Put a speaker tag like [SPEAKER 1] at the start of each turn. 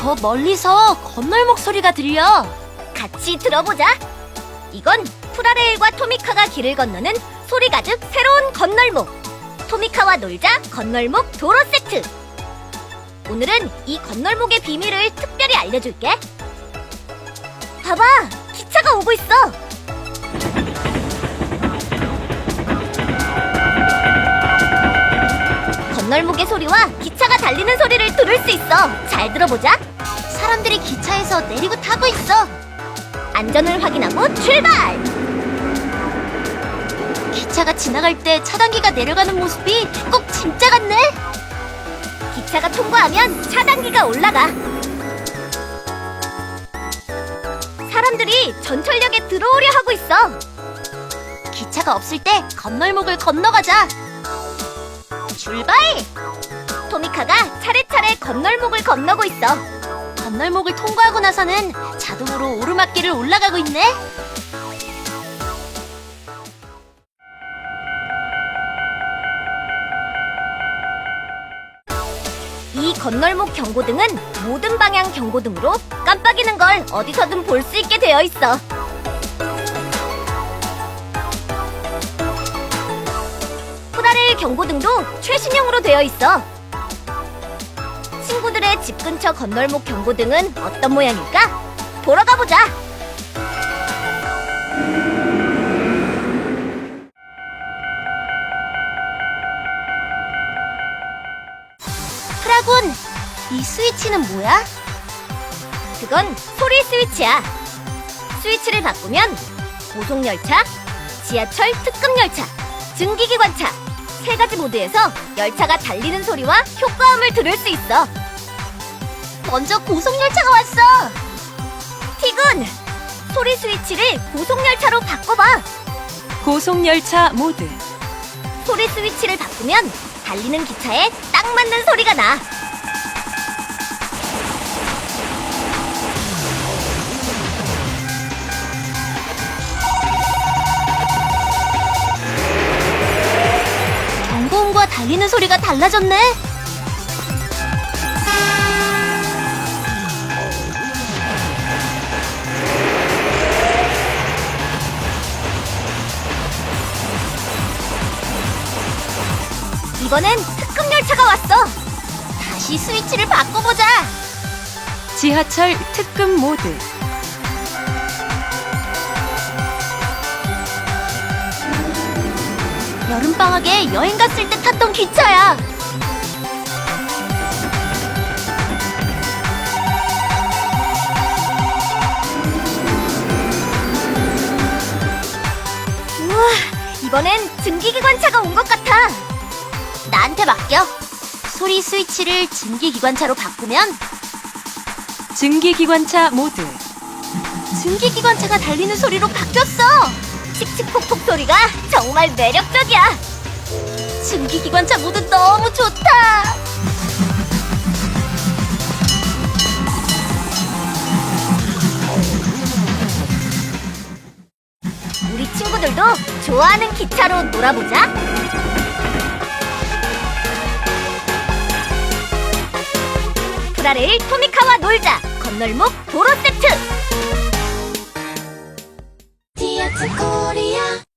[SPEAKER 1] 저 멀리서 건널목 소리가 들려.
[SPEAKER 2] 같이 들어보자. 이건 프라레일과 토미카가 길을 건너는 소리 가득 새로운 건널목. 토미카와 놀자 건널목 도로 세트. 오늘은 이 건널목의 비밀을 특별히 알려줄게. 봐봐, 기차가 오고 있어. 건널목의 소리와 기차가 달리는 소리를 들을 수 있어. 잘 들어보자.
[SPEAKER 1] 사람들이 기차에서 내리고 타고 있어.
[SPEAKER 2] 안전을 확인하고 출발!
[SPEAKER 1] 기차가 지나갈 때 차단기가 내려가는 모습이 꼭 진짜 같네.
[SPEAKER 2] 기차가 통과하면 차단기가 올라가. 사람들이 전철역에 들어오려 하고 있어.
[SPEAKER 1] 기차가 없을 때 건널목을 건너가자.
[SPEAKER 2] 출발! 토미카가 차례차례 건널목을 건너고 있어.
[SPEAKER 1] 건널목을 통과하고 나서는 자동으로 오르막길을 올라가고 있네.
[SPEAKER 2] 이 건널목 경고등은 모든 방향 경고등으로 깜빡이는 걸 어디서든 볼 수 있게 되어 있어. 프라레일 경고등도 최신형으로 되어 있어. 친구들의 집 근처 건널목 경고등은 어떤 모양일까? 보러 가보자.
[SPEAKER 1] 프라곤, 이 스위치는 뭐야?
[SPEAKER 2] 그건 소리 스위치야. 스위치를 바꾸면 고속열차, 지하철 특급열차, 증기기관차 세 가지 모드에서 열차가 달리는 소리와 효과음을 들을 수 있어.
[SPEAKER 1] 먼저 고속열차가 왔어.
[SPEAKER 2] 티군, 소리 스위치를 고속열차로 바꿔봐.
[SPEAKER 3] 고속열차 모드.
[SPEAKER 2] 소리 스위치를 바꾸면 달리는 기차에 딱 맞는 소리가 나.
[SPEAKER 1] 경고음과 달리는 소리가 달라졌네.
[SPEAKER 2] 이번엔 특급열차가 왔어.
[SPEAKER 1] 다시 스위치를 바꿔보자.
[SPEAKER 3] 지하철 특급 모드.
[SPEAKER 1] 여름방학에 여행 갔을 때 탔던 기차야.
[SPEAKER 2] 우와, 이번엔 증기기관차가 온 것 같아.
[SPEAKER 1] 나한테 맡겨. 소리 스위치를 증기기관차로 바꾸면
[SPEAKER 3] 증기기관차 모드.
[SPEAKER 1] 증기기관차가 달리는 소리로 바뀌었어.
[SPEAKER 2] 칙칙폭폭 소리가 정말 매력적이야.
[SPEAKER 1] 증기기관차 모드 너무 좋다.
[SPEAKER 2] 우리 친구들도 좋아하는 기차로 놀아보자. 프라레일 토미카와 놀자 건널목 도로 세트.
[SPEAKER 1] 디아트 코리아